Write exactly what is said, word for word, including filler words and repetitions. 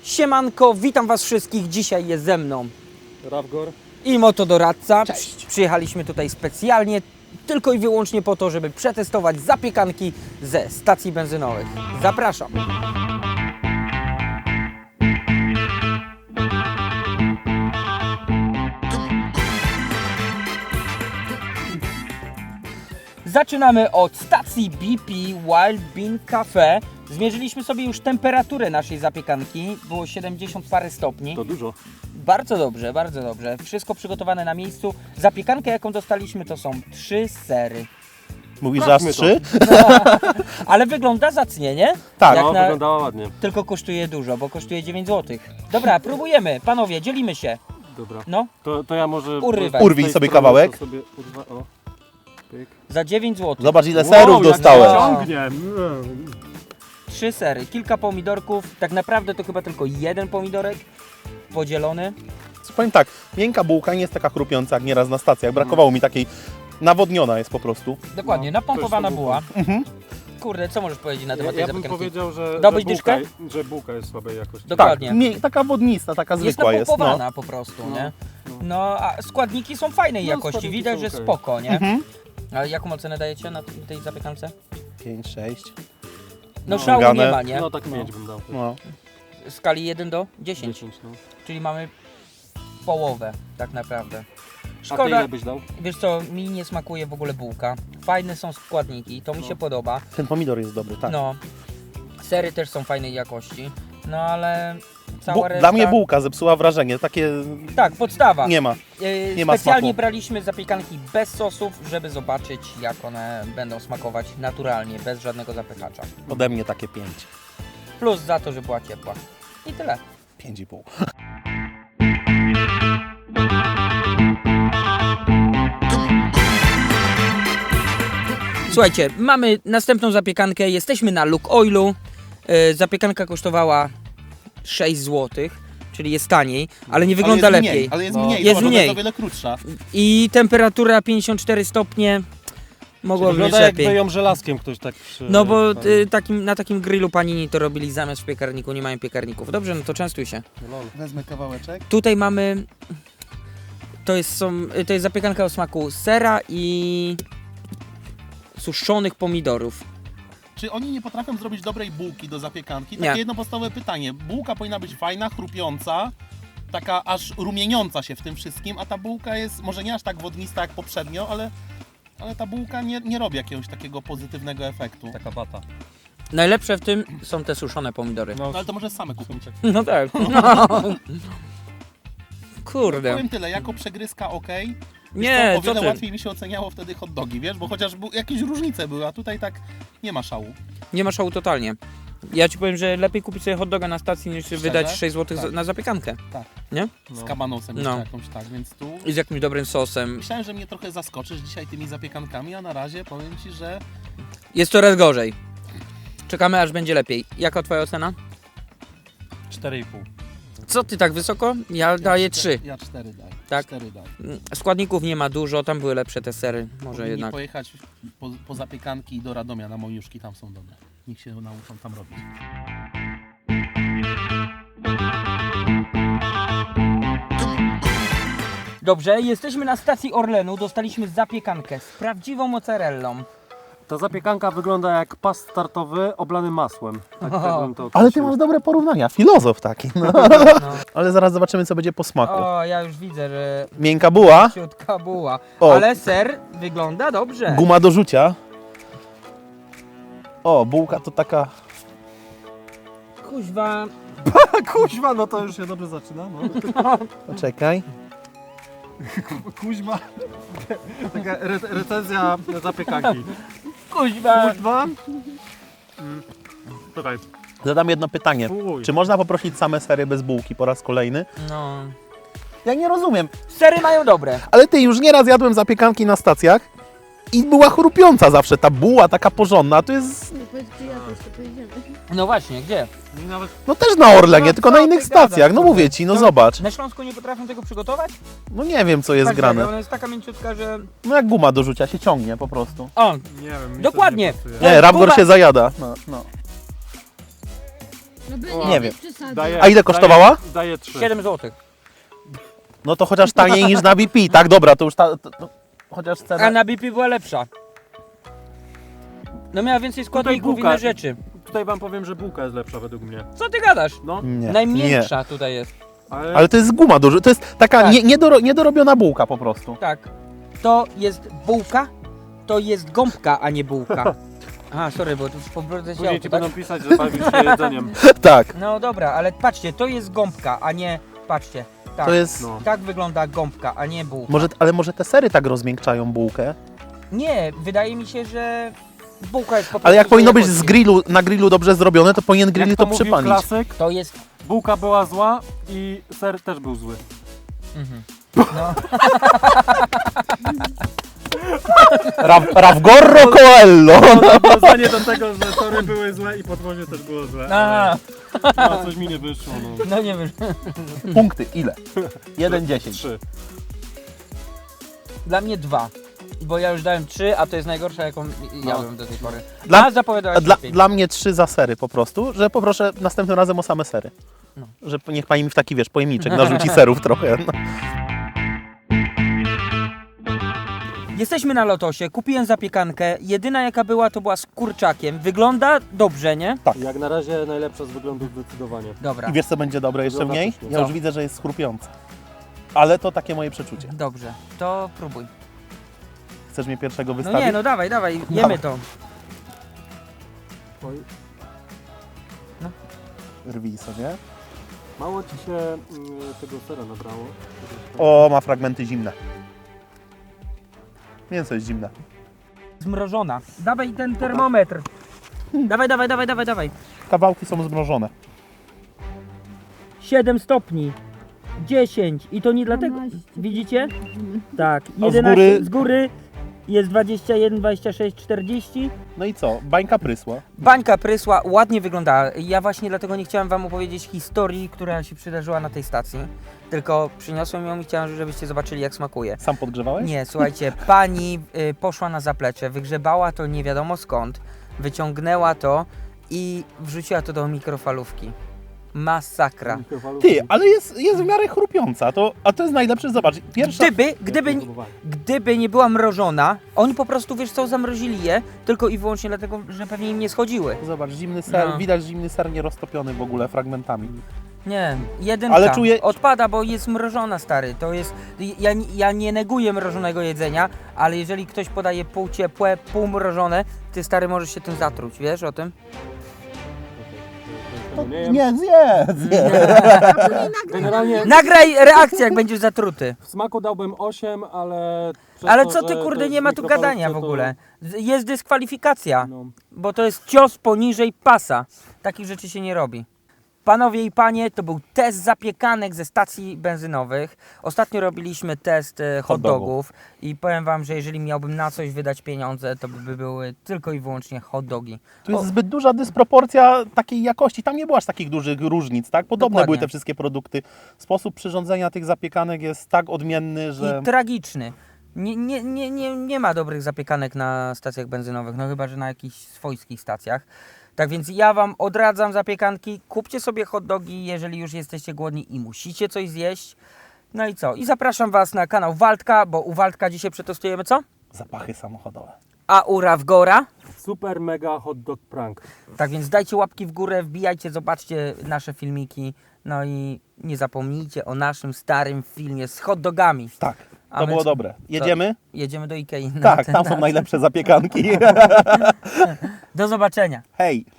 Siemanko, witam Was wszystkich. Dzisiaj jest ze mną Rawgor i Motodoradca. Cześć. Przyjechaliśmy tutaj specjalnie tylko i wyłącznie po to, żeby przetestować zapiekanki ze stacji benzynowych. Zapraszam. Zaczynamy od stacji B P Wild Bean Cafe. Zmierzyliśmy sobie już temperaturę naszej zapiekanki. Było siedemdziesiąt parę stopni. to dużo. Bardzo dobrze, bardzo dobrze. Wszystko przygotowane na miejscu. Zapiekankę, jaką dostaliśmy, to są trzy sery. Mówisz, że aż Sprawdźmy trzy? Ale wygląda zacnie, nie? Tak. Jak No, na... wyglądała ładnie. Tylko kosztuje dużo, bo kosztuje dziewięć złotych. Dobra, próbujemy. Panowie, dzielimy się. Dobra. No, To, to ja może... Urywaj. Urwij z tej sobie strony kawałek. to Sobie urwa... o. Pyk. za dziewięć złotych. Zobacz, ile Wow, serów jak dostałem. ciągnie. Trzy sery, kilka pomidorków. Tak naprawdę to chyba tylko jeden pomidorek podzielony. Powiem tak, miękka bułka nie jest taka chrupiąca jak nieraz na stacjach. Brakowało mi takiej, nawodniona jest po prostu. Dokładnie, No, napompowana to jest buła. to Mhm. Kurde, co możesz powiedzieć na Ja, temat tej ja bym zapiekanki? powiedział, że, Dałbyś że, bułka, dyszkę? że bułka jest słabej jakości. Dokładnie. Tak, mię- taka wodnista, taka Jest zwykła jest. napompowana No. po prostu, No, nie? no. No, a składniki są fajnej No, jakości, składniki widać, są że okej. spoko, nie? Mhm. A jaką ocenę dajecie na tej zapiekance? pięć, sześć. No, No. szału nie Ściągane. ma, nie? No tak pięć bym dał. No. W skali jeden do dziesięciu, dziesięć, no. czyli mamy połowę tak naprawdę. A ty Szkoda, ile byś dał? wiesz co, mi nie smakuje w ogóle bułka. Fajne są składniki, to mi No. się podoba. Ten pomidor jest dobry, tak. No, sery też są fajnej jakości, no ale Bu- cała reszta... Dla mnie bułka zepsuła wrażenie, takie Tak, podstawa. nie ma. Yy, nie ma Specjalnie smaku. braliśmy zapiekanki bez sosów, żeby zobaczyć, jak one będą smakować naturalnie, bez żadnego zapychacza. Ode mnie takie pięć. Plus za to, że była ciepła. I tyle. pięć i pół. Słuchajcie, mamy następną zapiekankę, jesteśmy na Luke Oilu. Yy, zapiekanka kosztowała sześć złotych, czyli jest taniej, ale nie wygląda ale jest lepiej. Mniej, ale jest No. mniej, Jest zobacz, ona mniej. jest o wiele krótsza. I temperatura pięćdziesiąt cztery stopnie, mogłoby być Wygląda jakby lepiej. ją żelazkiem ktoś tak przy... No bo y, takim, na takim grillu panini to robili zamiast w piekarniku, nie mają piekarników. Dobrze, no to częstuj się. Lol. Wezmę kawałeczek. Tutaj mamy, to jest, są, to jest zapiekanka o smaku sera i suszonych pomidorów. Czy oni nie potrafią zrobić dobrej bułki do zapiekanki? Nie. Takie jedno podstawowe pytanie. Bułka powinna być fajna, chrupiąca, taka aż rumieniąca się w tym wszystkim, a ta bułka jest może nie aż tak wodnista jak poprzednio, ale, ale ta bułka nie, nie robi jakiegoś takiego pozytywnego efektu. Taka bata. Najlepsze w tym są te suszone pomidory. No, No ale to może same kupić. No tak. No. Kurde. Powiem tyle, jako przegryzka ok. Nie, o co wiele ty? łatwiej mi się oceniało wtedy hot dogi, wiesz, bo chociaż bu- jakieś różnice były, a tutaj tak nie ma szału. Nie ma szału totalnie. Ja ci powiem, że lepiej kupić sobie hot doga na stacji niż Szczerze? wydać sześć złotych Tak. na zapiekankę. Z no. kabanosem No. jeszcze jakąś tak, więc tu... I z jakimś dobrym sosem. Myślałem, że mnie trochę zaskoczysz dzisiaj tymi zapiekankami, a na razie powiem Ci, że Jest coraz gorzej. Czekamy aż będzie lepiej. Jaka twoja ocena? cztery i pół. Co ty tak wysoko? Ja daję trzy. Ja cztery daję. Tak? cztery daję. Składników nie ma dużo, tam były lepsze te sery. Może Powinni jednak. pojechać po, po zapiekanki do Radomia na Moniuszki, tam są dobre. Niech się nauczą tam robić. Dobrze, jesteśmy na stacji Orlenu. Dostaliśmy zapiekankę z prawdziwą mozzarellą. Ta zapiekanka wygląda jak pas startowy oblany masłem. Tak, tak bym to Ale ty określił. masz dobre porównania, filozof taki. No. No. Ale zaraz zobaczymy, co będzie po smaku. O, ja już widzę, że Miękka buła, ciutka buła. O. Ale ser wygląda dobrze. guma do rzucia. O, bułka to taka... Kuźwa. Kuźma, no to już się dobrze zaczyna. No. Poczekaj. Kuźma. Taka re recenzja zapiekanki. Kuźwa. Kuźma. Tutaj. Zadam jedno pytanie. Uj. Czy można poprosić same sery bez bułki po raz kolejny? No. Ja nie rozumiem. Sery mają dobre. Ale ty, już nieraz jadłem zapiekanki na stacjach i była chrupiąca zawsze. Ta buła taka porządna, to jest... No powiedz, gdzie jadłeś, to pojedziemy. No właśnie, gdzie? Mi nawet No też na Orlenie, No tylko co na ty innych gadasz, stacjach. No kurde? mówię ci, no To- zobacz. Na Śląsku nie potrafią tego przygotować? No nie wiem, co jest Tak, grane. Ona jest taka mięciutka, że... No jak guma do rzucia, się ciągnie po prostu. O, nie wiem. mi to Dokładnie. Nie pasuje. No, Nie, Rapgor guma- się zajada. No, no. Nie wiem. Daję, A ile kosztowała? Daję, daję trzy. siedem złotych. No to chociaż taniej niż na B P. Tak, dobra, to już ta... To, to, chociaż A cena... na B P była lepsza. No miała więcej składników i bułka. inne rzeczy. Tutaj wam powiem, że bułka jest lepsza według mnie. Co ty gadasz? No, Nie, nie. Najmniejsza tutaj jest. ale, Ale to jest guma duża, to jest taka Tak. nie, niedoro, niedorobiona bułka po prostu. Tak. To jest bułka, to jest gąbka, a nie bułka. Aha, sorry, bo tu po drodze się później auto, ci tak? będą pisać, że bawisz się jedzeniem. Tak, No dobra, ale patrzcie, to jest gąbka, a nie... Patrzcie. Tak, to jest... No. tak wygląda gąbka, a nie bułka. Może, ale może te sery tak rozmiękczają bułkę? Nie, wydaje mi się, że bułka jest po prostu... Ale jak powinno złej być z jakości. grillu, na grillu dobrze zrobione, to powinien grill Jak to to mówił przypalić. klasyk, To jest... bułka była zła i ser też był zły. Mhm. No. Ra, Ravgorro Coello! Nawiązanie do tego, że tory były złe i podwozie też było złe. Aha. Ale, no, coś mi nie wyszło, no. No nie wiem. Punkty, ile? jeden dziesięć. Trzy. Dla mnie dwa. Bo ja już dałem trzy, a to jest najgorsza, jaką jadłem do tej pory. Dla- a zapowiadałeś Dla, lepiej. dla mnie trzy za sery po prostu, że poproszę następnym razem o same sery. No. Że niech pani mi w taki, wiesz, pojemniczek narzuci serów trochę. No. Jesteśmy na Lotosie, kupiłem zapiekankę. Jedyna jaka była, to była z kurczakiem. Wygląda dobrze, nie? Jak na razie najlepsza z wyglądu zdecydowanie. Dobra, I wiesz co będzie dobre jeszcze w Wygląda niej? pysznie. Ja Co? już widzę, że jest chrupiąca. Ale to takie moje przeczucie. dobrze. To próbuj. Chcesz mnie pierwszego No wystawić? nie, no dawaj, dawaj, jemy Dawaj. to. Oj, Rwij sobie. mało ci się mm, tego sera nabrało. O, ma fragmenty zimne. Mięso jest zimne. Zmrożona. Dawaj ten termometr. Dawaj, dawaj, dawaj, dawaj, dawaj. Kawałki są zmrożone. siedem stopni. dziesięć. I to nie dlatego... Widzicie? Tak. A z jedenaście góry- z góry jest dwadzieścia jeden, dwadzieścia sześć, czterdzieści. No i co? Bańka prysła. Bańka prysła, ładnie wyglądała. Ja właśnie dlatego nie chciałem wam opowiedzieć historii, która się przydarzyła na tej stacji. Tylko przyniosłem ją i chciałem, żebyście zobaczyli, jak smakuje. Sam podgrzewałeś? Nie, słuchajcie, pani y, poszła na zaplecze, wygrzebała to nie wiadomo skąd, wyciągnęła to i wrzuciła to do mikrofalówki. Masakra. Ty, ale jest, jest w miarę chrupiąca. To, a to jest najlepsze, zobacz. Pierwsza... Gdyby, gdyby, gdyby nie była mrożona, oni po prostu, wiesz co, zamrozili je, tylko i wyłącznie dlatego, że pewnie im nie schodziły. Zobacz, zimny ser, No. widać zimny ser nieroztopiony w ogóle fragmentami. Nie, jedynka. Ale czuję- Odpada, bo jest mrożona, stary. To jest. Ja, ja nie neguję mrożonego jedzenia, ale jeżeli ktoś podaje pół ciepłe, pół mrożone, ty stary możesz się tym zatruć, wiesz o tym? Nie, Nie, zjedz, zjedz. Generalnie Nagraj reakcję, jak będziesz zatruty. w smaku dałbym osiem, ale... przez Ale to, co ty, że kurde, to nie ma z tu gadania w mikrofalówki, ogóle. Z- Jest dyskwalifikacja, To, no, bo to jest cios poniżej pasa. Takich rzeczy się nie robi. Panowie i panie, to był test zapiekanek ze stacji benzynowych. Ostatnio robiliśmy test e, hot Hot dogów. dogów i powiem wam, że jeżeli miałbym na coś wydać pieniądze, to by były tylko i wyłącznie hot dogi. Tu jest O, zbyt duża dysproporcja takiej jakości. Tam nie było aż takich dużych różnic, tak? Podobne Dokładnie. były te wszystkie produkty. Sposób przyrządzenia tych zapiekanek jest tak odmienny, że... I tragiczny. Nie, nie, nie, nie, nie ma dobrych zapiekanek na stacjach benzynowych, no chyba, że na jakichś swojskich stacjach. Tak więc ja wam odradzam zapiekanki, kupcie sobie hot dogi, jeżeli już jesteście głodni i musicie coś zjeść. No i co? I zapraszam was na kanał Waldka, bo u Waldka dzisiaj przetestujemy co? Zapachy samochodowe. A u Ravgora? super mega hot dog prank. Tak więc dajcie łapki w górę, wbijajcie, zobaczcie nasze filmiki. No i nie zapomnijcie o naszym starym filmie z hot dogami. Tak, A to my było co? dobre. Jedziemy? Jedziemy do Ikei. na Tak, ten- tam są najlepsze zapiekanki. Do zobaczenia. Hej!